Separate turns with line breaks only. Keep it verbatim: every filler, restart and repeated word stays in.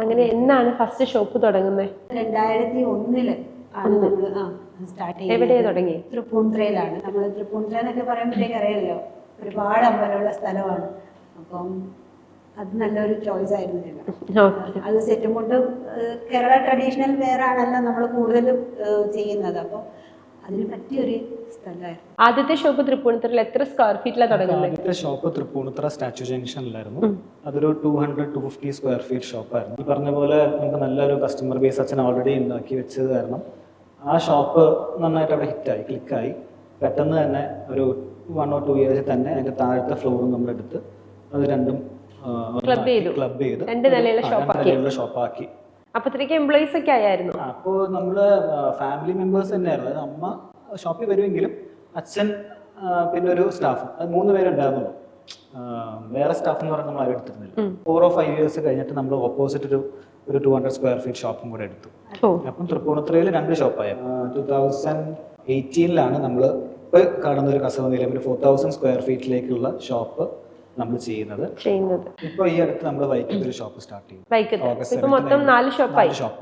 അങ്ങനെ എന്നാണ് first shop തുടങ്ങുന്നത്?
രണ്ടായിരത്തി ഒന്നില് ആണ് നമ്മൾ സ്റ്റാർട്ട് ചെയ്യുന്നത്.
എവിടെയാ തുടങ്ങി?
തൃപ്പൂണിത്തുറയിലാണ്. നമ്മൾ തൃപ്പൂണിത്തുറ എന്നൊക്കെ പറയുമ്പോഴത്തേക്ക് അറിയാമല്ലോ, ഒരുപാട് അമ്പലമുള്ള സ്ഥലമാണ്. അപ്പം അത് നല്ലൊരു ചോയ്സ് ആയിരുന്നു ഞങ്ങൾ. അത് സെറ്റും കൊണ്ട് കേരള ട്രഡീഷണൽ വെയർ ആണല്ലോ നമ്മൾ കൂടുതലും ചെയ്യുന്നത്. അപ്പോൾ അതിന് പറ്റിയൊരു സ്ഥലമായിരുന്നു.
ആദ്യത്തെ ഷോപ്പ് തൃപ്പൂണിത്തുറയിൽ എത്ര സ്ക്വയർ ഫീറ്റിലാണ് തുടങ്ങുന്നത്?
ആദ്യത്തെ ഷോപ്പ് തൃപ്പൂണിത്തുറ സ്റ്റാച്യു ജംഗ്ഷനിലായിരുന്നു. അതൊരു two hundred two fifty square feet ഷോപ്പായിരുന്നു. ഈ പറഞ്ഞ പോലെ നമുക്ക് നല്ലൊരു കസ്റ്റമർ ബേസ് അച്ഛൻ ഓൾറെഡി ഉണ്ടാക്കി വെച്ചത് കാരണം ആ ഷോപ്പ് നന്നായിട്ട് അവിടെ ഹിറ്റായി, ക്ലിക്കായി. പെട്ടെന്ന് തന്നെ ഒരു വൺ ഓർ ടു ഇയേഴ്സിൽ തന്നെ അതിന്റെ താഴത്തെ ഫ്ലോറും നമ്മളെടുത്ത് അത് രണ്ടും
ക്ലബ് ചെയ്തു
ക്ലബ് ചെയ്ത്
രണ്ട് നിലയുള്ള
ഷോപ്പാക്കി.
അപ്പത്തേക്ക് എംപ്ലോയീസ് ഒക്കെ ആയിരുന്നു.
അപ്പോൾ നമ്മള് ഫാമിലി മെമ്പേഴ്സ് തന്നെയായിരുന്നു. അതായത് അമ്മ ഷോപ്പിൽ വരുമെങ്കിലും അച്ഛൻ പിന്നെ ഒരു സ്റ്റാഫ്, അത് മൂന്ന് പേരുണ്ടായിരുന്നുള്ളൂ. വേറെ സ്റ്റാഫ് എന്ന് പറഞ്ഞാൽ നമ്മൾ ആരും എടുത്തിരുന്നില്ല. ഫോർ ഓർ ഫൈവ് ഇയേഴ്സ് കഴിഞ്ഞിട്ട് നമ്മൾ ഓപ്പോസിറ്റ് ഒരു ഒരു ടു ഹൺഡ്രഡ് സ്ക്വയർ ഫീറ്റ് ഷോപ്പും കൂടെ എടുത്തു. അപ്പം തൃപ്പൂണിത്തുറയിൽ രണ്ട് ഷോപ്പായി. ടൂ തൗസൻഡ് എയ്റ്റീനിലാണ് നമ്മൾ ഇപ്പൊ കാണുന്ന ഒരു കസവ നിലയം ഒരു ഫോർ തൗസൻഡ് സ്ക്വയർ ഫീറ്റിലേക്കുള്ള ഷോപ്പ് നമ്മൾ ചെയ്യുന്നത്.
ചെയ്യുന്നത്
ഇപ്പൊ ഈ അടുത്ത് നമ്മൾ വൈക്കത്ത് ഒരു ഷോപ്പ് സ്റ്റാർട്ട് ചെയ്യും.
വൈക്കത്ത് ഇപ്പൊ മൊത്തം നാല് ഷോപ്പായി.
ഷോപ്പ്